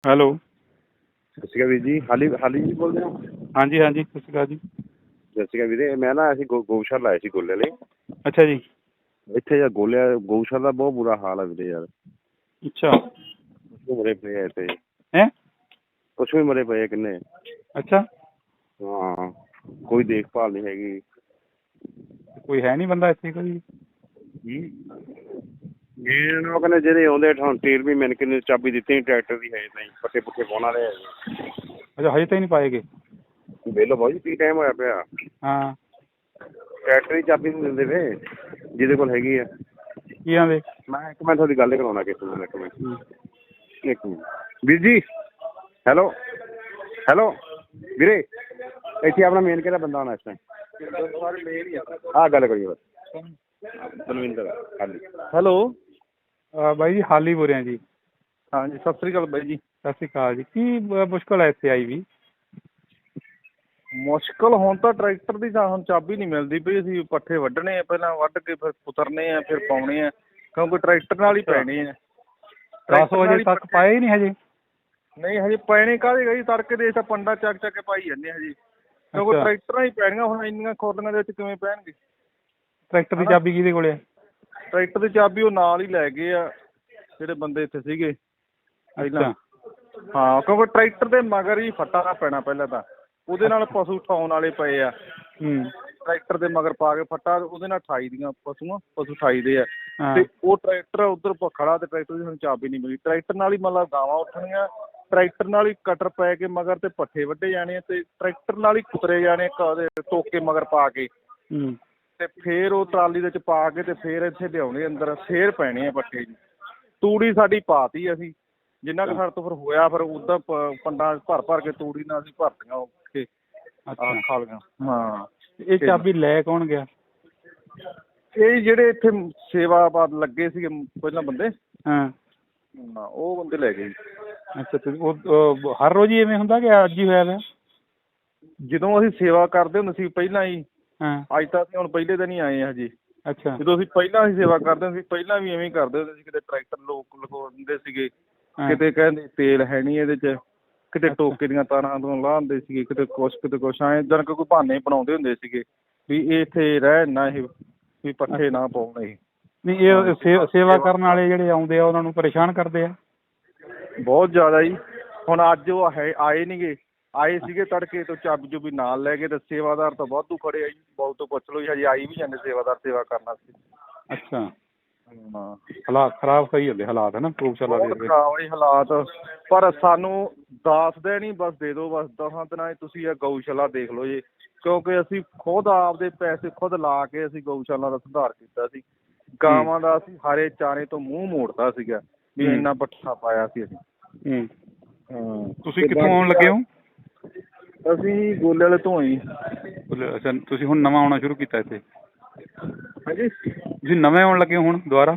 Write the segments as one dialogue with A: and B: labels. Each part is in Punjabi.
A: ਹੈਲੋ।
B: ਸਤਿ ਸ਼੍ਰੀ ਅਕਾਲ ਵੀਰ ਜੀ। ਹਾਲੀ ਜੀ ਬੋਲਦੇ ਹੋ?
A: ਹਾਂਜੀ ਹਾਂਜੀ, ਸਤਿ ਸ਼੍ਰੀ ਅਕਾਲ ਜੀ।
B: ਸਤਿ ਸ਼੍ਰੀ ਅਕਾਲ ਵੀਰੇ। ਮੈਂ ਨਾ ਅਸੀਂ ਗਊਸ਼ਾਲਾ ਲਾਏ ਸੀ ਗੋਲੇ ਵਾਲੇ।
A: ਅੱਛਾ ਜੀ।
B: ਇੱਥੇ ਯਾਰ ਗਊਸ਼ਾਲਾ ਦਾ ਬਹੁਤ ਬੁਰਾ ਹਾਲ ਹੈ ਵੀਰੇ ਯਾਰ।
A: ਅੱਛਾ।
B: ਪਸ਼ੂ ਮਰੇ ਪਏ ਆ ਇੱਥੇ।
A: ਹੈਂ?
B: ਪਸ਼ੂ ਵੀ ਮਰੇ ਪਏ ਆ ਕਿੰਨੇ।
A: ਅੱਛਾ।
B: ਹਾਂ, ਕੋਈ ਦੇਖਭਾਲ ਨਹੀਂ ਹੈਗੀ।
A: ਕੋਈ ਹੈ ਨਹੀਂ ਬੰਦਾ ਇੱਥੇ ਕੋਈ?
B: ਉਹ ਕਹਿੰਦੇ ਜਿਹੜੇ ਆਉਂਦੇ ਹੁਣ ਤੇਲ ਵੀ ਮੈਨੂੰ ਕਿੰਨੇ ਚਾਬੀ ਦਿੱਤੀ ਟਰੈਕਟਰ ਦੀ ਹੈ ਨਹੀਂ, ਪੱਠੇ ਪੁੱਠੇ ਪਾਉਣ ਵਾਲੇ।
A: ਅੱਛਾ, ਹਜੇ ਤਾਂ ਹੀ ਨਹੀਂ ਪਾਏ ਗਏ।
B: ਵੇਖ ਬਾਊ ਜੀ ਕੀ ਟਾਈਮ ਹੋਇਆ ਪਿਆ।
A: ਹਾਂ।
B: ਟਰੈਕਟਰ ਦੀ ਚਾਬੀ ਨਹੀਂ ਦਿੰਦੇ ਪਏ ਜਿਹਦੇ ਕੋਲ ਹੈਗੀ ਆ।
A: ਕੀ ਆਂਦੇ?
B: ਮੈਂ ਤੁਹਾਡੀ ਗੱਲ ਕਰਾਉਣਾ ਕਿਸੇ ਨੂੰ। ਇੱਕ ਮਿੰਟ ਵੀਰ ਜੀ। ਹੈਲੋ ਹੈਲੋ ਵੀਰੇ, ਇੱਥੇ ਆਪਣਾ ਮੇਨ ਕਿਹੜਾ ਬੰਦਾ ਆਉਣਾ ਇਸ ਟਾਈਮ? ਆਹ ਗੱਲ ਕਰੀਏ ਬਸ। ਬਲਵਿੰਦਰ ਹਾਲੀ।
C: ਹੈਲੋ
A: ਬਾਈ ਜੀ, ਹਾਲੀ ਬੋਲ ਰਿਹਾ ਜੀ।
C: ਹਾਂਜੀ, ਸਤਿ ਸ਼੍ਰੀ ਅਕਾਲ ਬਾਈ ਜੀ।
A: ਸਤਿ ਸ਼੍ਰੀ ਅਕਾਲ ਜੀ। ਕੀ ਮੁਸ਼ਕਿਲ ਹੈ ਇੱਥੇ ਆਈ ਵੀ?
C: ਮੁਸ਼ਕਿਲ ਹੁਣ ਤਾਂ ਟਰੈਕਟਰ ਦੀ ਤਾਂ ਹੁਣ ਚਾਬੀ ਨਹੀਂ ਮਿਲਦੀ ਪਈ। ਅਸੀਂ ਪੱਠੇ ਵੱਢਣੇ ਆ, ਪਹਿਲਾਂ ਵੱਢ ਕੇ ਫਿਰ ਕੁਤਰਨੇ ਆ, ਫਿਰ ਪਾਉਣੇ ਆ, ਕਿਉਂਕਿ ਟਰੈਕਟਰ ਨਾਲ ਹੀ ਪੈਣੇ ਆ।
A: 10 ਵਜੇ ਤੱਕ ਪਾਏ ਨਹੀਂ ਹਜੇ?
C: ਨਹੀਂ ਹਜੇ ਪੈਣੇ ਕਾਹਦੇ ਗਈ, ਤੜਕੇ ਦੇ ਤਾਂ ਪੰਡਾ ਚੱਕ ਚੱਕ ਕੇ ਪਾਈ ਜਾਂਦੇ ਹਜੇ, ਕਿਉਂਕਿ ਟਰੈਕਟਰਾਂ ਹੀ ਪੈਣੀਆਂ ਹੁਣ। ਇੰਨੀਆਂ ਖੋਲੀਆਂ ਦੇ ਵਿੱਚ ਕਿਵੇਂ ਪੈਣਗੇ?
A: ਟਰੈਕਟਰ ਦੀ ਚਾਬੀ ਕਿਹਦੇ ਕੋਲ ਹੈ?
C: ਟਰੈਕਟਰ ਦੀ ਚਾਬੀ ਉਹ ਨਾਲ ਹੀ ਲੈ ਗਏ ਆ ਜਿਹੜੇ ਬੰਦੇ ਇੱਥੇ ਸੀਗੇ ਪਹਿਲਾਂ। ਹਾਂ, ਕਿਉਂਕਿ ਟਰੈਕਟਰ ਦੇ ਮਗਰ ਹੀ ਫੱਟਾ ਪੈਣਾ ਪਹਿਲਾਂ ਤਾਂ। ਉਹਦੇ ਨਾਲ ਪਸ਼ੂ ਠਾਉਣ ਵਾਲੇ ਪਏ ਆ। ਟਰੈਕਟਰ ਦੇ ਮਗਰ ਪਾ ਕੇ ਫੱਟਾ, ਉਹਦੇ ਨਾਲ ਠਾਈ ਦੀਆਂ ਪਸ਼ੂ ਠਾਈ ਦੇ ਆ। ਤੇ ਉਹ ਟਰੈਕਟਰ ਉੱਧਰ ਖੜਾ ਤੇ ਟਰੈਕਟਰ ਦੀ ਸਾਨੂੰ ਚਾਬੀ ਨਹੀਂ ਮਿਲੀ। ਟਰੈਕਟਰ ਨਾਲ ਹੀ ਮਤਲਬ ਗਾਵਾਂ ਉੱਠਣੀਆਂ, ਟਰੈਕਟਰ ਨਾਲ ਹੀ ਕਟਰ ਪੈ ਕੇ ਮਗਰ ਤੇ ਪੱਠੇ ਵੱਢੇ ਜਾਣੇ ਤੇ ਟਰੈਕਟਰ ਨਾਲ ਹੀ ਕੁਤਰੇ ਜਾਣੇ ਟੋਕੇ ਮਗਰ ਪਾ ਕੇ। ਤੇ ਫੇਰ ਉਹ ਟਰਾਲੀ ਦੇ ਵਿੱਚ ਪਾ ਕੇ ਤੇ ਫੇਰ ਇੱਥੇ ਲਿਆਉਣੇ ਅੰਦਰ, ਫੇਰ ਪੈਣੇ ਆ ਪੱਠੇ ਜੀ। ਤੂੜੀ ਸਾਡੀ ਪਾਤੀ ਅਸੀਂ, ਜਿੰਨਾ ਕੁ ਸਾਡੇ ਤੋਂ ਫਿਰ ਹੋਇਆ, ਫਿਰ ਉੱਦਾਂ ਪੰਡਾਂ ਭਰ ਕੇ ਤੂੜੀ ਨਾਲ ਅਸੀਂ ਭਰਤੀਆਂ ਉੱਥੇ ਖਾਲੀਆਂ। ਹਾਂ।
A: ਇਹ ਚਾਬੀ ਲੈ ਕੌਣ ਗਿਆ?
C: ਇਹ ਜਿਹੜੇ ਇੱਥੇ ਸੇਵਾ ਲੱਗੇ ਸੀਗੇ ਪਹਿਲਾਂ ਬੰਦੇ, ਉਹ ਬੰਦੇ ਲੈ ਗਏ।
A: ਅੱਛਾ, ਉਹ ਹਰ ਰੋਜ਼ ਹੀ ਇਵੇਂ ਹੁੰਦਾ ਕਿ ਅੱਜ ਹੀ ਹੋਇਆ?
C: ਜਦੋਂ ਅਸੀਂ ਸੇਵਾ ਕਰਦੇ ਹੁੰਦੇ ਸੀ ਪਹਿਲਾਂ ਹੀ। ਅੱਜ ਤਾਂ ਅਸੀਂ ਹੁਣ ਪਹਿਲੇ ਦਿਨ ਹੀ ਆਏ ਹਾਂ ਜੀ।
A: ਅੱਛਾ।
C: ਜਦੋਂ ਅਸੀਂ ਪਹਿਲਾਂ ਸੇਵਾ ਕਰਦੇ ਹੁੰਦੇ ਸੀ, ਪਹਿਲਾਂ ਵੀ ਇਵੇਂ ਕਰਦੇ ਹੁੰਦੇ ਸੀ। ਕਿਤੇ ਟਰੈਕਟਰ ਲੋਕ ਲਗੋ ਦਿੰਦੇ ਸੀਗੇ, ਕਿਤੇ ਕਹਿੰਦੇ ਤੇਲ ਹੈ ਨਹੀਂ ਇਹਦੇ 'ਚ, ਕਿਤੇ ਟੋਕੇ ਦੀਆਂ ਤਾਰਾਂ ਤੋਂ ਲਾਹ ਦਿੰਦੇ ਸੀਗੇ, ਕਿਤੇ ਕੁਛ ਐਂ ਇੱਦਾਂ ਕੋਈ ਬਹਾਨੇ ਬਣਾਉਂਦੇ ਹੁੰਦੇ ਸੀਗੇ ਵੀ ਇਹ ਇੱਥੇ ਰਹਿ ਨਾ, ਇਹ ਵੀ ਪੱਠੇ ਨਾ ਪਾਉਣ। ਇਹ
A: ਨਹੀਂ, ਇਹ ਸੇਵਾ ਕਰਨ ਵਾਲੇ ਜਿਹੜੇ ਆਉਂਦੇ ਆ ਉਹਨਾਂ ਨੂੰ ਪਰੇਸ਼ਾਨ ਕਰਦੇ ਆ
C: ਬਹੁਤ ਜ਼ਿਆਦਾ ਜੀ। ਹੁਣ ਅੱਜ ਉਹ ਆਏ ਨਹੀਂ ਗੇ, ਆਏ ਸੀਗੇ ਤੜਕੇ ਤੋਂ ਚਾਬੀ ਚੁਬੀ ਨਾਲ ਲੈ ਕੇ, ਤੇ ਸੇਵਾਦਾਰ ਤਾਂ ਵਾਧੂ ਖੜੇ ਆ ਜੀ। ਬਹੁਤ ਤੋਂ ਪੁੱਛ ਲਓ ਜੀ, ਹਜੇ ਆਈ ਵੀ ਜਾਂਦੇ ਸੇਵਾਦਾਰ ਸੇਵਾ ਕਰਨ ਵਾਸਤੇ।
A: ਅੱਛਾ।
C: ਹਾਂ,
A: ਹਾਲਾਤ ਖਰਾਬ ਸਹੀ ਹੁੰਦੇ ਹਾਲਾਤ, ਹੈ ਨਾ ਗਊਸ਼ਾਲਾ ਦੇ?
C: ਬਹੁਤ ਖਰਾਬ ਜੀ ਹਾਲਾਤ। ਪਰ ਸਾਨੂੰ ਦੱਸਦੇ ਨਹੀਂ, ਬਸ ਦੇ ਦਿਓ ਬਸ 10 ਦਿਨਾਂ 'ਚ ਤੁਸੀਂ ਇਹ ਗਊਸ਼ਾਲਾ ਦੇਖ ਲਓ ਜੀ। ਕਿਉਂਕਿ ਅਸੀਂ ਖੁਦ ਆਪਦੇ ਪੈਸੇ ਖੁਦ ਲਾ ਕੇ ਅਸੀਂ ਗਊਸ਼ਾਲਾ ਦਾ ਸੁਧਾਰ ਕੀਤਾ ਸੀ। ਗਾਵਾਂ ਦਾ ਅਸੀਂ ਹਰੇ ਚਾਰੇ ਤੋਂ ਮੂੰਹ ਮੋੜਤਾ ਸੀਗਾ ਵੀ ਇੰਨਾ ਪੱਠਾ ਪਾਇਆ ਸੀ ਅਸੀਂ।
A: ਤੁਸੀਂ ਕਿੱਥੋਂ ਆਉਣ ਲੱਗੇ ਹੋ?
C: ਅਸੀਂ ਗੋਲੇ ਵਾਲੇ ਤੋਂ ਹੀ।
A: ਅੱਛਾ, ਤੁਸੀਂ ਹੁਣ ਨਵਾਂ ਆਉਣਾ ਸ਼ੁਰੂ ਕੀਤਾ ਇੱਥੇ?
C: ਹਾਂਜੀ,
A: ਤੁਸੀਂ ਨਵੇਂ ਆਉਣ ਲੱਗੇ ਹੋ ਹੁਣ ਦੁਬਾਰਾ?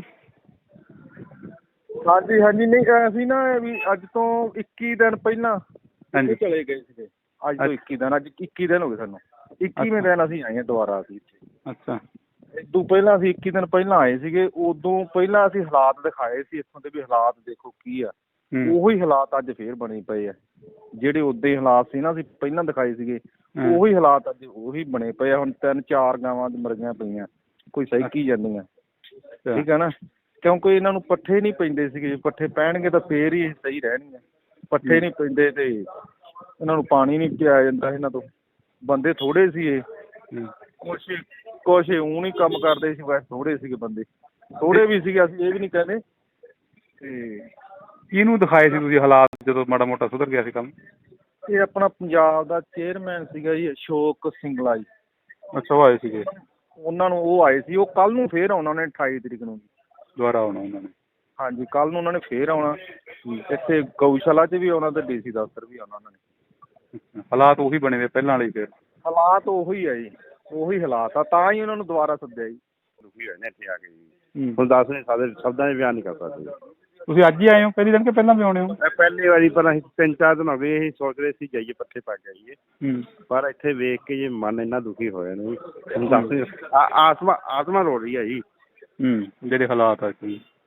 C: ਹਾਂਜੀ ਹਾਂਜੀ। ਨਹੀਂ, ਅਸੀਂ ਨਾ ਵੀ ਅੱਜ ਤੋਂ 21 ਦਿਨ ਪਹਿਲਾਂ ਚਲੇ ਗਏ ਸੀਗੇ। ਅੱਜ ਤੋਂ 21 ਦਿਨ, ਅੱਜ 21 ਦਿਨ ਹੋ ਗਏ ਸਾਨੂੰ। 21ਵੇਂ ਦਿਨ ਅਸੀਂ ਆਏ ਹਾਂ ਦੁਬਾਰਾ ਅਸੀਂ ਇੱਥੇ।
A: ਅੱਛਾ।
C: ਇਦੋਂ ਪਹਿਲਾਂ ਅਸੀਂ 21 ਦਿਨ ਪਹਿਲਾਂ ਆਏ ਸੀਗੇ। ਉਦੋਂ ਪਹਿਲਾਂ ਅਸੀਂ ਹਾਲਾਤ ਦਿਖਾਏ ਸੀ ਇੱਥੋਂ ਦੇ ਵੀ ਹਾਲਾਤ ਦੇਖੋ ਕੀ ਆ। ਉਹੀ ਹਾਲਾਤ ਅੱਜ ਫੇਰ ਬਣੇ ਪਏ ਆ। ਜਿਹੜੇ ਉਦੋਂ ਹੀ ਹਾਲਾਤ ਸੀ ਨਾ ਅਸੀਂ ਪਹਿਲਾਂ ਦਿਖਾਏ ਸੀਗੇ, ਉਹੀ ਹਾਲਾਤ ਅੱਜ ਉਹੀ ਬਣੇ ਪਏ ਆ। ਹੁਣ 3-4 ਗਾਵਾਂ ਮਰੀਆਂ ਪਈਆਂ, ਕੋਈ ਸਹਿਕੀ ਜਾਂਦੀਆਂ। ਠੀਕ ਹੈ ਨਾ, ਕਿਉਂਕਿ ਇਹਨਾਂ ਨੂੰ ਪੱਠੇ ਨਹੀਂ ਪੈਂਦੇ ਸੀਗੇ। ਪੱਠੇ ਪੈਣਗੇ ਤਾਂ ਫੇਰ ਹੀ ਸਹੀ ਰਹਿਣਗੀਆਂ। ਪੱਠੇ ਨਹੀਂ ਪੈਂਦੇ ਤੇ ਇਹਨਾਂ ਨੂੰ ਪਾਣੀ ਨਹੀਂ ਪਿਆਇਆ ਜਾਂਦਾ ਇਹਨਾਂ ਤੋਂ। ਬੰਦੇ ਥੋੜ੍ਹੇ ਸੀ ਇਹ, ਕੁਛ ਊਂ ਨਹੀਂ ਕੰਮ ਕਰਦੇ ਸੀ, ਵੈਸੇ ਥੋੜ੍ਹੇ ਸੀਗੇ ਬੰਦੇ, ਥੋੜ੍ਹੇ ਵੀ ਸੀਗੇ, ਅਸੀਂ ਇਹ ਵੀ ਨਹੀਂ ਕਹਿੰਦੇ। ਤੇ
A: ਕਿਹਨੂੰ ਦਿਖਾਏ ਸੀ ਤੁਸੀਂ ਹਾਲਾਤ ਜਦੋਂ ਮਾੜਾ ਮੋਟਾ ਸੁਧਰ ਗਿਆ ਸੀ ਕੰਮ?
C: ਇਹ ਆਪਣਾ ਪੰਜਾਬ ਦਾ ਚੇਅਰਮੈਨ ਸੀਗਾ ਜੀ, ਅਸ਼ੋਕ ਸਿੰਗਲਾ ਜੀ।
A: ਅੱਛਾ, ਉਹ ਆਏ ਸੀਗੇ?
C: ਉਹਨਾਂ ਨੂੰ ਉਹ ਆਏ ਸੀ। ਉਹ ਕੱਲ੍ਹ ਨੂੰ ਫੇਰ ਆਉਣਾ ਉਹਨੇ 28 ਤਰੀਕ ਨੂੰ
A: ਦੁਬਾਰਾ ਆਉਣਾ ਉਹਨਾਂ ਨੇ? ਹਾਂਜੀ,
C: ਕੱਲ੍ਹ ਨੂੰ ਉਹਨਾਂ ਨੇ ਫੇਰ ਆਉਣਾ ਇੱਥੇ ਗਊਸ਼ਾਲਾ 'ਚ ਵੀ ਆਉਣਾ ਤੇ DC ਦਫ਼ਤਰ ਵੀ ਆਉਣਾ ਉਹਨਾਂ ਨੇ।
A: ਹਾਲਾਤ ਉਹੀ ਬਣੇ ਹੋਏ ਪਹਿਲਾਂ ਵਾਲੇ? ਫਿਰ
C: ਹਾਲਾਤ ਉਹੀ ਆ ਜੀ, ਉਹੀ ਹਾਲਾਤ ਆ, ਤਾਂ ਹੀ ਉਹਨਾਂ ਨੂੰ ਦੁਬਾਰਾ ਸੱਦਿਆ ਜੀ।
B: ਦੁਖੀ ਹੋਏ ਨੇ ਇੱਥੇ ਆ ਕੇ ਜੀ। ਹੁਣ ਦੱਸ ਨਹੀਂ ਸਕਦੇ, ਸ਼ਬਦਾਂ 'ਚ ਬਿਆਨ ਨਹੀਂ ਕਰ ਸਕਦੇ।
A: ਤੁਸੀਂ ਅੱਜ ਹੀ ਆਏ ਹੋ ਪਹਿਲੀ ਦਿਨ ਕਿ ਪਹਿਲਾਂ ਵੀ ਆਉਣੇ ਹੋ?
B: ਪਹਿਲੀ ਵਾਰੀ, ਪਰ ਅਸੀਂ 3-4 ਦਿਨ ਹੋ ਗਏ ਅਸੀਂ ਸੋਚ ਰਹੇ ਸੀ ਜਾਈਏ ਪੱਠੇ ਪਾ ਕੇ ਆਈਏ, ਪਰ ਇੱਥੇ ਵੇਖ ਕੇ ਜੀ ਮਨ ਇੰਨਾ ਦੁਖੀ ਹੋਇਆ ਨਾ, ਦੱਸ ਆਤਮਾ ਰੋ ਰਹੀ ਹੈ ਜੀ।
A: ਜਿਹੜੇ ਹਾਲਾਤ ਆ ਜੀ।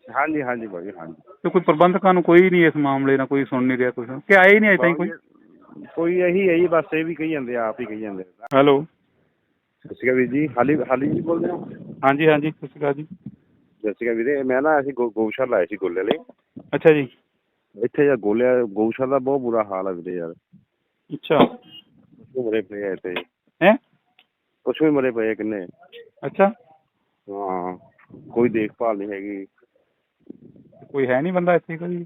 B: ਹਾਂਜੀ ਹਾਂਜੀ ਭਾਜੀ ਹਾਂਜੀ।
A: ਤੇ ਕੋਈ ਪ੍ਰਬੰਧਕਾਂ ਨੂੰ ਕੋਈ ਨਹੀਂ ਇਸ ਮਾਮਲੇ ਨਾਲ ਕੋਈ ਸੁਣ ਨਹੀਂ ਰਿਹਾ ਕੁਛ ਕਿ ਆਏ ਹੀ ਨਹੀਂ ਅਜੇ ਤਾਈਂ ਕੋਈ?
B: ਕੋਈ ਇਹੀ ਹੈ ਜੀ, ਬਸ ਇਹ ਵੀ ਕਹੀ ਜਾਂਦੇ ਆ, ਆਪ ਹੀ ਕਹੀ ਜਾਂਦੇ ਆ।
A: ਹੈਲੋ।
B: ਸਤਿ ਸ਼੍ਰੀ ਅਕਾਲ ਵੀਰ ਜੀ, ਹਾਲੀ ਜੀ ਬੋਲਦੇ ਹੋ?
A: ਹਾਂਜੀ ਹਾਂਜੀ, ਸਤਿ ਸ਼੍ਰੀ ਅਕਾਲ ਜੀ।
B: ਸਤਿ ਸ਼੍ਰੀ ਅਕਾਲ ਵੀਰੇ, ਮੈਂ ਨਾ ਅਸੀਂ ਗਊਸ਼ਾਲਾ ਆਏ ਸੀ ਗੋਲੇ ਵਾਲੇ।
A: ਅੱਛਾ ਜੀ।
B: ਇੱਥੇ ਯਾਰ ਗਊਸ਼ਾਲਾ ਦਾ ਬਹੁਤ ਬੁਰਾ ਹਾਲ ਹੈ ਵੀਰੇ ਯਾਰ।
A: ਅੱਛਾ।
B: ਪਸ਼ੂ ਮਰੇ ਪਏ ਆ ਇੱਥੇ।
A: ਹੈਂ?
B: ਪਸ਼ੂ ਵੀ ਮਰੇ ਪਏ ਆ ਕਿੰਨੇ।
A: ਅੱਛਾ।
B: ਹਾਂ, ਕੋਈ ਦੇਖਭਾਲ ਨਹੀਂ ਹੈਗੀ।
A: ਕੋਈ ਹੈ ਨਹੀਂ ਬੰਦਾ ਇੱਥੇ ਕੋਈ?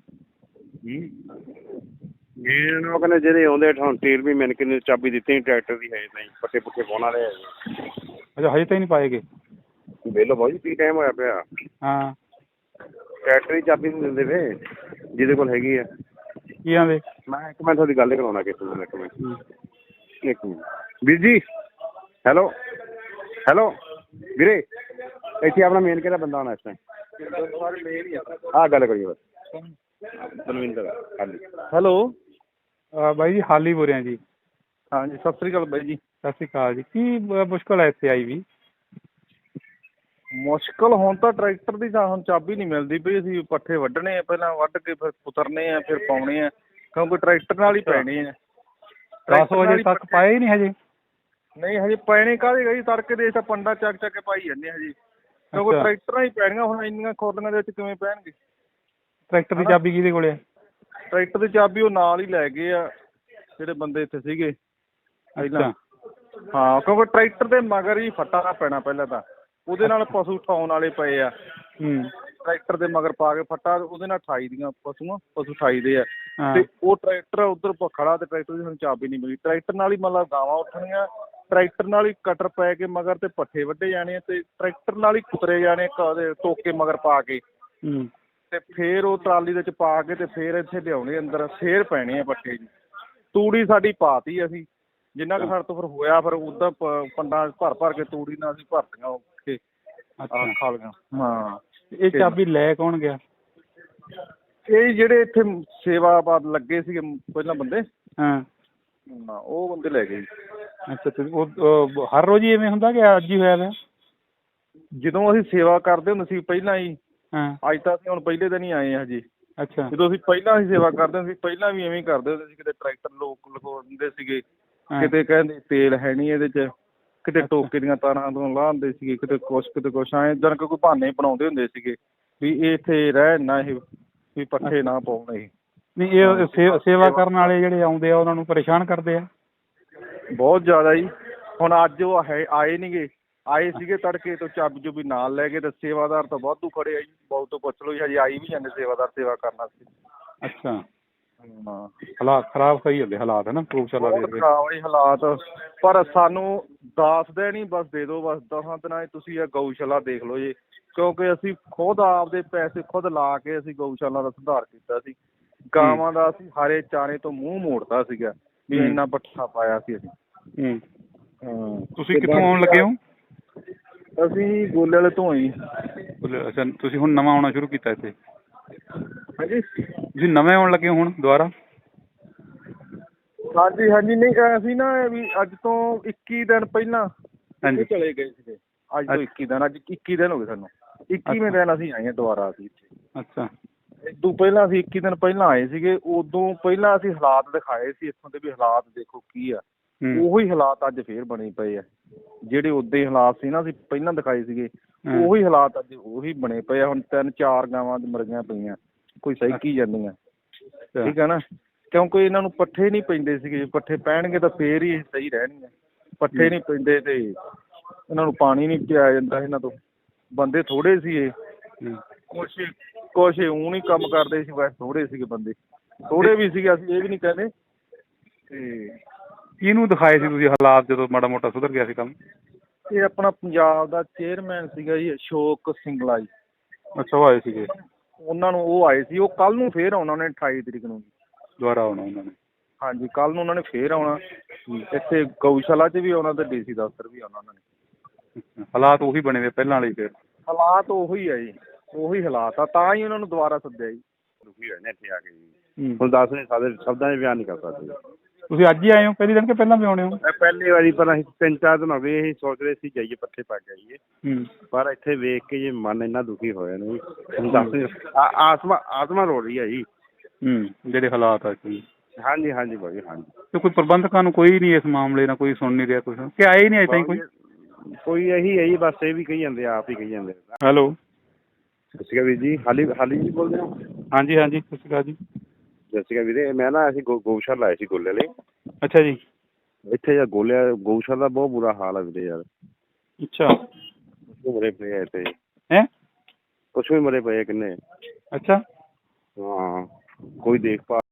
B: ਉਹ ਕਹਿੰਦੇ ਜਿਹੜੇ ਆਉਂਦੇ ਹੁਣ ਤੇਲ ਵੀ ਮੈਨੂੰ ਕਿੰਨੇ ਚਾਬੀ ਦਿੱਤੀ ਟਰੈਕਟਰ ਦੀ, ਹੈ ਨਹੀਂ ਪੱਠੇ ਪੁੱਠੇ ਪਾਉਣ ਵਾਲੇ।
A: ਅੱਛਾ, ਹਜੇ ਤਾਈਂ ਨਹੀਂ ਪਾਏਗੇ?
B: ਵੇਲੋ ਬਾਊ ਜੀ ਕੀ ਟਾਈਮ ਹੋਇਆ ਪਿਆ।
A: ਹਾਂ।
B: ਟਰੈਕਟਰ ਦੀ ਚਾਬੀ ਨਹੀਂ ਦਿੰਦੇ ਵੇ ਜਿਹਦੇ ਕੋਲ ਹੈਗੀ ਆ।
A: ਕੀ ਆਂਦੇ?
B: ਮੈਂ ਤੁਹਾਡੀ ਗੱਲ ਕਰਾਉਣਾ ਕਿਸੇ ਨੂੰ, ਇੱਕ ਮਿੰਟ ਵੀਰ ਜੀ। ਹੈਲੋ ਵੀਰੇ, ਇੱਥੇ ਆਪਣਾ ਮੇਨ ਕਿਹੜਾ ਬੰਦਾ ਆਉਣਾ ਇਸ ਟਾਈਮ? ਆਹ ਗੱਲ ਕਰੀਏ ਬਸ ਬਲਵਿੰਦਰ। ਹਾਂਜੀ
C: ਹੈਲੋ।
A: ਬਾਈ ਜੀ ਹਾਲੀ ਬੋਲ ਰਿਹਾ ਜੀ।
C: ਹਾਂਜੀ ਸਤਿ ਸ੍ਰੀ ਅਕਾਲ ਬਾਈ ਜੀ।
A: ਸਤਿ ਸ਼੍ਰੀ ਅਕਾਲ ਜੀ। ਕੀ ਮੁਸ਼ਕਿਲ ਹੈ ਇੱਥੇ ਆਈ ਵੀ?
C: ਮੁਸ਼ਕਿਲ ਹੁਣ ਤਾਂ ਟਰੈਕਟਰ ਦੀ ਤਾਂ ਹੁਣ ਚਾਬੀ ਨਹੀਂ ਮਿਲਦੀ ਪਈ। ਅਸੀਂ ਪੱਠੇ ਵੱਢਣੇ ਆ, ਪਹਿਲਾਂ ਵੱਢ ਕੇ ਫਿਰ ਕੁਤਰਨੇ ਆ, ਫਿਰ ਪਾਉਣੇ ਆ, ਕਿਉਂਕਿ ਟਰੈਕਟਰ ਨਾਲ ਹੀ ਪੈਣੇ ਆ।
A: 10 ਵਜੇ ਤੱਕ ਪਾਏ ਨਹੀਂ ਹਜੇ?
C: ਨਹੀਂ ਹਜੇ ਪੈਣੇ ਕਾਹਦੇ ਗਈ, ਤੜਕੇ ਦੇ ਤਾਂ ਪੰਡਾ ਚੱਕ ਕੇ ਪਾਈ ਜਾਂਦੇ ਹਜੇ, ਕਿਉਂਕਿ ਟਰੈਕਟਰਾਂ ਹੀ ਪੈਣੀਆਂ ਹੁਣ। ਇੰਨੀਆਂ ਖੋਲੀਆਂ ਦੇ ਵਿੱਚ ਕਿਵੇਂ ਪੈਣਗੇ?
A: ਟਰੈਕਟਰ ਦੀ ਚਾਬੀ ਕਿਹਦੇ ਕੋਲ ਹੈ?
C: ਟਰੈਕਟਰ ਦੀ ਚਾਬੀ ਉਹ ਨਾਲ ਹੀ ਲੈ ਗਏ ਆ ਜਿਹੜੇ ਬੰਦੇ ਇੱਥੇ ਸੀਗੇ ਪਹਿਲਾਂ। ਹਾਂ, ਕਿਉਂਕਿ ਟਰੈਕਟਰ ਦੇ ਮਗਰ ਹੀ ਫੱਟਾ ਪੈਣਾ ਪਹਿਲਾਂ ਤਾਂ, ਉਹਦੇ ਨਾਲ ਪਸ਼ੂ ਉਠਾਉਣ ਵਾਲੇ ਪਏ ਆ। ਟਰੈਕਟਰ ਦੇ ਮਗਰ ਪਾ ਕੇ ਫੱਟਾ, ਉਹਦੇ ਨਾਲ ਠਾਈ ਦੀਆਂ ਪਸ਼ੂ ਠਾਈ ਦੇ ਆ। ਤੇ ਉਹ ਟਰੈਕਟਰ ਉੱਧਰ ਖੜਾ ਤੇ ਟਰੈਕਟਰ ਦੀ ਸਾਨੂੰ ਚਾਬੀ ਨਹੀਂ ਮਿਲੀ। ਟਰੈਕਟਰ ਨਾਲ ਹੀ ਮਤਲਬ ਗਾਵਾਂ ਉੱਠਣੀਆਂ, ਟਰੈਕਟਰ ਨਾਲ ਹੀ ਕਟਰ ਪੈ ਕੇ ਮਗਰ ਤੇ ਪੱਠੇ ਵੱਢੇ ਜਾਣੇ, ਤੇ ਟਰੈਕਟਰ ਨਾਲ ਹੀ ਕੁਤਰੇ ਜਾਣੇ ਟੋਕੇ ਮਗਰ ਪਾ ਕੇ, ਤੇ ਫੇਰ ਉਹ ਟਰਾਲੀ ਦੇ ਵਿੱਚ ਪਾ ਕੇ ਤੇ ਫੇਰ ਇੱਥੇ ਲਿਆਉਣੇ ਅੰਦਰ, ਫੇਰ ਪੈਣੇ ਆ ਪੱਠੇ ਜੀ। ਤੂੜੀ ਸਾਡੀ ਪਾਤੀ ਅਸੀਂ, ਜਿੰਨਾ ਕੁ ਸਾਡੇ ਤੋਂ ਫਿਰ ਹੋਇਆ, ਫਿਰ ਉੱਦਾਂ ਪੰਡਾਂ ਭਰ ਕੇ ਤੂੜੀ ਨਾਲ ਅਸੀਂ ਭਰਤੀਆਂ ਉੱਥੇ ਖਾਲੀਆਂ। ਹਾਂ।
A: ਇਹ ਚਾਬੀ ਲੈ ਕੌਣ ਗਿਆ?
C: ਇਹ ਜਿਹੜੇ ਇੱਥੇ ਸੇਵਾ ਲੱਗੇ ਸੀਗੇ ਪਹਿਲਾਂ ਬੰਦੇ, ਉਹ ਬੰਦੇ ਲੈ ਗਏ।
A: ਅੱਛਾ, ਤੇ ਉਹ ਹਰ ਰੋਜ਼ ਹੀ ਇਵੇਂ ਹੁੰਦਾ ਕਿ ਅੱਜ ਹੀ ਹੋਇਆ ਵਾ?
C: ਜਦੋਂ ਅਸੀਂ ਸੇਵਾ ਕਰਦੇ ਹੁੰਦੇ ਸੀ ਪਹਿਲਾਂ ਹੀ,
A: ਹਾਂ।
C: ਅੱਜ ਤਾਂ ਅਸੀਂ ਹੁਣ ਪਹਿਲੇ ਦਿਨ ਹੀ ਆਏ ਹਾਂ ਜੀ।
A: ਅੱਛਾ।
C: ਜਦੋਂ ਅਸੀਂ ਪਹਿਲਾਂ ਅਸੀਂ ਸੇਵਾ ਕਰਦੇ ਹੁੰਦੇ ਸੀ, ਪਹਿਲਾਂ ਵੀ ਐਵੇਂ ਕਰਦੇ ਹੁੰਦੇ ਸੀ। ਕਿਤੇ ਟਰੈਕਟਰ ਲੋਕ ਲਗੋ ਦਿੰਦੇ ਸੀਗੇ, ਕਿਤੇ ਕਹਿੰਦੇ ਤੇਲ ਹੈ ਨਹੀਂ ਇਹਦੇ 'ਚ, ਕਿਤੇ ਟੋਕੇ ਦੀਆਂ ਤਾਰਾਂ ਤੋਂ ਲਾਹ ਦਿੰਦੇ ਸੀਗੇ, ਕਿਤੇ ਕੁਛ ਐਂ ਇੱਦਾਂ ਕੋਈ ਬਹਾਨੇ ਬਣਾਉਂਦੇ ਹੁੰਦੇ ਸੀਗੇ ਵੀ ਇਹ ਇੱਥੇ ਰਹਿਣ ਨਾ, ਇਹ ਵੀ ਪੱਠੇ ਨਾ ਪਾਉਣ। ਇਹ
A: ਨਹੀਂ, ਇਹ ਸੇਵਾ ਕਰਨ ਵਾਲੇ ਜਿਹੜੇ ਆਉਂਦੇ ਆ ਉਹਨਾਂ ਨੂੰ ਪਰੇਸ਼ਾਨ ਕਰਦੇ ਆ
C: ਬਹੁਤ ਜ਼ਿਆਦਾ ਜੀ। ਹੁਣ ਅੱਜ ਉਹ ਆਏ ਨੀ ਗੇ, ਆਏ ਸੀਗੇ ਤੜਕੇ ਤੋਂ ਚਾਬੀ ਚੁਬੀ ਨਾਲ ਲੈ ਕੇ, ਤੇ ਸੇਵਾਦਾਰ ਤਾਂ ਵਾਧੂ ਖੜੇ ਆ ਜੀ। ਬਹੁਤ ਤੋਂ ਪੁੱਛ ਲਓ ਜੀ, ਹਜੇ ਆਈ ਵੀ ਜਾਂਦੇ ਸੇਵਾਦਾਰ ਸੇਵਾ ਕਰਨ ਵਾਸਤੇ।
A: ਅੱਛਾ।
C: ਹਾਂ,
A: ਹਾਲਾਤ ਖਰਾਬ ਸਹੀ ਹੁੰਦੇ ਹਾਲਾਤ ਹੈ ਨਾ ਗਊਸ਼ਾਲਾ ਦੇ?
C: ਬਹੁਤ ਖਰਾਬ ਹੈ ਹਾਲਾਤ, ਪਰ ਸਾਨੂੰ ਦੱਸਦੇ ਨਹੀਂ, ਬਸ ਦੇ ਦਿਓ ਬਸ 10 ਦਿਨਾਂ 'ਚ ਤੁਸੀਂ ਇਹ ਗਊਸ਼ਾਲਾ ਦੇਖ ਲਓ ਜੀ। ਕਿਉਂਕਿ ਅਸੀਂ ਖੁਦ ਆਪਦੇ ਪੈਸੇ ਖੁਦ ਲਾ ਕੇ ਅਸੀਂ ਗਊਸ਼ਾਲਾ ਦਾ ਸੁਧਾਰ ਕੀਤਾ ਸੀ। ਗਾਵਾਂ ਦਾ ਅਸੀਂ ਹਰੇ ਚਾਰੇ ਤੋਂ ਮੂੰਹ ਮੋੜਤਾ ਸੀਗਾ ਵੀ ਇੰਨਾ ਪੱਠਾ ਪਾਇਆ ਸੀ ਅਸੀਂ।
A: ਤੁਸੀਂ ਕਿੱਥੋਂ ਆਉਣ ਲੱਗੇ ਹੋ?
C: ਅਸੀਂ ਗੋਲੇ ਵਾਲੇ ਤੋਂ ਆਏ।
A: ਅੱਛਾ, ਤੁਸੀਂ ਹੁਣ ਨਵਾਂ ਆਉਣਾ ਸ਼ੁਰੂ ਕੀਤਾ ਇੱਥੇ?
C: ਹਾਂਜੀ,
A: ਤੁਸੀਂ ਨਵੇਂ ਆਉਣ ਲੱਗੇ ਹੋ ਹੁਣ ਦੁਬਾਰਾ?
C: ਹਾਂਜੀ ਹਾਂਜੀ। ਨਹੀਂ ਅਸੀਂ ਨਾ ਵੀ ਅੱਜ ਤੋਂ 21 ਦਿਨ ਪਹਿਲਾਂ ਚਲੇ ਗਏ ਸੀਗੇ। ਅੱਜ ਤੋਂ 21 ਦਿਨ, ਅੱਜ 21 ਦਿਨ ਹੋ ਗਏ ਸਾਨੂੰ। 21ਵੇਂ ਦਿਨ ਅਸੀਂ ਆਏ ਹਾਂ ਦੁਬਾਰਾ ਅਸੀਂ ਇੱਥੇ।
A: ਅੱਛਾ।
C: ਇਦੋਂ ਪਹਿਲਾਂ ਅਸੀਂ 21 ਦਿਨ ਪਹਿਲਾਂ ਆਏ ਸੀਗੇ। ਉਦੋਂ ਪਹਿਲਾਂ ਅਸੀਂ ਹਾਲਾਤ ਦਿਖਾਏ ਸੀ ਇੱਥੋਂ ਦੇ ਵੀ ਹਾਲਾਤ ਦੇਖੋ ਕੀ ਆ। ਉਹੀ ਹਾਲਾਤ ਅੱਜ ਫੇਰ ਬਣੇ ਪਏ ਆ। ਜਿਹੜੇ ਉਦੋਂ ਹੀ ਹਾਲਾਤ ਸੀ ਨਾ ਅਸੀਂ ਪਹਿਲਾਂ ਦਿਖਾਏ ਸੀਗੇ, ਉਹੀ ਹਾਲਾਤ ਅੱਜ ਉਹੀ ਬਣੇ ਪਏ ਆ। ਹੁਣ 3-4 ਗਾਵਾਂ ਮਰੀਆਂ ਪਈਆਂ, ਕੋਈ ਸਹਿਕੀ ਜਾਂਦੀਆਂ। ਠੀਕ ਹੈ ਨਾ, ਕਿਉਂਕਿ ਇਹਨਾਂ ਨੂੰ ਪੱਠੇ ਨਹੀਂ ਪੈਂਦੇ ਸੀਗੇ। ਪੱਠੇ ਪੈਣਗੇ ਤਾਂ ਫੇਰ ਹੀ ਸਹੀ ਰਹਿਣਗੀਆਂ। ਪੱਠੇ ਨਹੀਂ ਪੈਂਦੇ ਤੇ ਇਹਨਾਂ ਨੂੰ ਪਾਣੀ ਨਹੀਂ ਪਿਆਇਆ ਜਾਂਦਾ। ਇਹਨਾਂ ਤੋਂ ਬੰਦੇ ਥੋੜ੍ਹੇ ਸੀ ਇਹ, ਕੁਛ ਊਂ ਨਹੀਂ ਕੰਮ ਕਰਦੇ ਸੀ, ਵੈਸੇ ਥੋੜ੍ਹੇ ਸੀਗੇ ਬੰਦੇ, ਥੋੜ੍ਹੇ ਵੀ ਸੀਗੇ, ਅਸੀਂ ਇਹ ਵੀ ਨਹੀਂ ਕਹਿੰਦੇ। ਤੇ
A: ਕਿਹਨੂੰ ਦਿਖਾਏ ਸੀ ਤੁਸੀਂ ਹਾਲਾਤ ਜਦੋਂ ਮਾੜਾ ਮੋਟਾ ਸੁਧਰ ਗਿਆ ਸੀ ਕੰਮ?
C: ਇਹ ਆਪਣਾ ਪੰਜਾਬ ਦਾ ਚੇਅਰਮੈਨ ਸੀਗਾ ਜੀ, ਅਸ਼ੋਕ ਸਿੰਗਲਾ ਜੀ।
A: ਅੱਛਾ, ਉਹ ਆਏ ਸੀਗੇ?
C: ਉਹਨਾਂ ਨੂੰ ਉਹ ਆਏ ਸੀ। ਉਹ ਕੱਲ੍ਹ ਨੂੰ ਫੇਰ ਆਉਣਾ ਉਹਨੇ 28 ਤਰੀਕ ਨੂੰ
A: ਦੁਬਾਰਾ ਆਉਣਾ ਉਹਨਾਂ ਨੇ? ਹਾਂਜੀ,
C: ਕੱਲ੍ਹ ਨੂੰ ਉਹਨਾਂ ਨੇ ਫੇਰ ਆਉਣਾ ਇੱਥੇ ਗਊਸ਼ਾਲਾ 'ਚ ਵੀ ਆਉਣਾ ਤੇ DC ਦਫ਼ਤਰ ਵੀ ਆਉਣਾ ਉਹਨਾਂ ਨੇ।
A: ਹਾਲਾਤ ਉਹੀ ਬਣੇ ਵੇ ਪਹਿਲਾਂ ਵਾਲੇ? ਫਿਰ
C: ਹਾਲਾਤ ਉਹੀ ਆ ਜੀ, ਉਹੀ ਹਾਲਾਤ ਆ, ਤਾਂ ਹੀ ਉਹਨਾਂ ਨੂੰ ਦੁਬਾਰਾ ਸੱਦਿਆ ਜੀ।
B: ਦੁਖੀ ਹੋਏ ਨੇ ਇੱਥੇ ਆ ਕੇ ਜੀ। ਹੁਣ ਦੱਸ ਨਹੀਂ ਸਕਦੇ, ਸ਼ਬਦਾਂ 'ਚ ਬਿਆਨ ਨਹੀਂ ਕਰ ਸਕਦੇ।
A: ਤੁਸੀਂ ਅੱਜ ਹੀ ਆਏ ਹੋ ਪਹਿਲੀ ਦਿਨ ਕਿ ਪਹਿਲਾਂ ਵੀ ਆਉਣੇ ਹੋ?
B: ਪਹਿਲੀ ਵਾਰੀ ਪਰ ਅਸੀਂ 3-4 ਦਿਨ ਹੋ ਗਏ ਅਸੀਂ ਸੋਚ ਰਹੇ ਸੀ ਜਾਈਏ ਪੱਠੇ ਪਾ ਕੇ ਆਈਏ,
A: ਹੂੰ
B: ਪਰ ਇੱਥੇ ਵੇਖ ਕੇ ਜੀ ਮਨ ਇੰਨਾ ਦੁਖੀ ਹੋਇਆ ਨਾ ਜੀ ਤੁਹਾਨੂੰ ਦੱਸ ਨਹੀਂ ਆਤਮਾ ਰੋ ਰਹੀ ਹੈ ਜੀ।
A: ਜਿਹੜੇ ਹਾਲਾਤ ਆ ਜੀ।
B: ਹਾਂਜੀ ਹਾਂਜੀ ਭਾਜੀ ਹਾਂਜੀ।
A: ਤੇ ਕੋਈ ਪ੍ਰਬੰਧਕਾਂ ਨੂੰ ਕੋਈ ਨਹੀਂ ਇਸ ਮਾਮਲੇ ਨਾਲ ਕੋਈ ਸੁਣ ਨਹੀਂ ਰਿਹਾ ਕੁਛ ਕਿ ਆਏ ਹੀ ਨਹੀਂ ਅਜੇ ਤਾਈਂ ਕੋਈ?
B: ਕੋਈ ਇਹੀ ਹੈ ਜੀ, ਬਸ ਇਹ ਵੀ ਕਹੀ ਜਾਂਦੇ ਆਪ ਹੀ ਕਹੀ ਜਾਂਦੇ।
A: ਹੈਲੋ।
B: ਸਤਿ ਸ਼੍ਰੀ ਅਕਾਲ ਵੀਰ ਜੀ, ਹਾਲੀ ਜੀ ਬੋਲਦੇ ਹੋ?
A: ਹਾਂਜੀ ਹਾਂਜੀ ਸਤਿ ਸ਼੍ਰੀ ਅਕਾਲ ਜੀ।
B: ਸਤਿ ਸ਼੍ਰੀ ਅਕਾਲ ਵੀਰੇ, ਮੈਂ ਨਾ ਅਸੀਂ ਗਊਸ਼ਾਲਾ ਲਾਏ ਸੀ ਗੋਲੇ ਲਈ।
A: ਅੱਛਾ ਜੀ।
B: ਇੱਥੇ ਯਾਰ ਗਊਸ਼ਾਲਾ ਦਾ ਬਹੁਤ ਬੁਰਾ ਹਾਲ ਹੈ ਵੀਰੇ ਯਾਰ।
A: ਅੱਛਾ।
B: ਪਸ਼ੂ ਮਰੇ ਪਏ ਆ ਇੱਥੇ।
A: ਹੈਂ?
B: ਪਸ਼ੂ ਵੀ ਮਰੇ ਪਏ ਆ ਕਿੰਨੇ।
A: ਅੱਛਾ।
B: ਹਾਂ ਕੋਈ ਦੇਖਭਾਲ